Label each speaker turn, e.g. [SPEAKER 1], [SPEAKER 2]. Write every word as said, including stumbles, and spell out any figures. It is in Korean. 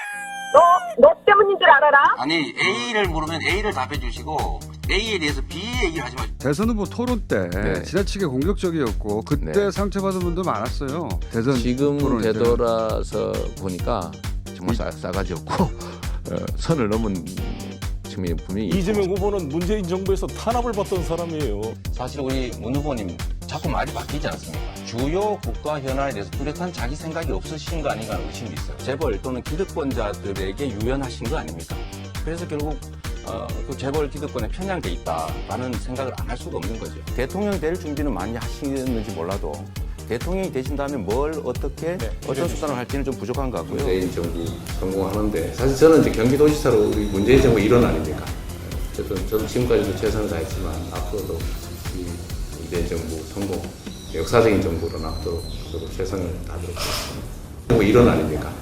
[SPEAKER 1] 너, 너 때문인 줄 알아라?
[SPEAKER 2] 아니 A를 물으면 A를 답해 주시고 A에 대해서 B 얘기를 하지 마시고.
[SPEAKER 3] 대선 후보 토론 때
[SPEAKER 4] 네.
[SPEAKER 3] 지나치게 공격적이었고 그때
[SPEAKER 4] 네.
[SPEAKER 3] 상처받은 분도 많았어요. 대선
[SPEAKER 4] 지금
[SPEAKER 3] 토론 때.
[SPEAKER 4] 되돌아서 보니까 정말 싸, 싸가지 없고 어, 선을 넘은 측면이 분명히
[SPEAKER 5] 이재명 후보는 문재인 정부에서 탄압을 받던 사람이에요.
[SPEAKER 2] 사실 우리 문 후보님 자꾸 말이 바뀌지 않습니까? 주요 국가 현안에 대해서 뚜렷한 자기 생각이 없으신 거 아닌가 하는 의심이 있어요. 재벌 또는 기득권자들에게 유연하신 거 아닙니까? 그래서 결국 어, 그 재벌 기득권에 편향돼 있다라는 생각을 안 할 수가 없는 거죠. 대통령 될 준비는 많이 하시는지 몰라도 대통령이 되신 다음에 뭘 어떻게
[SPEAKER 5] 네,
[SPEAKER 2] 어떤 수단을 할지는 좀 부족한 것 같고요.
[SPEAKER 4] 문재인 정부 성공하는데 사실 저는 이제 경기도지사로 우리 문재인 정부 일원 아닙니까? 어쨌든 저도 지금까지도 최선을 다했지만 앞으로도 이 문재인 정부 성공, 역사적인 정부로 남도록 저도 최선을 다하도록 하겠습니다. 정부 일원 아닙니까?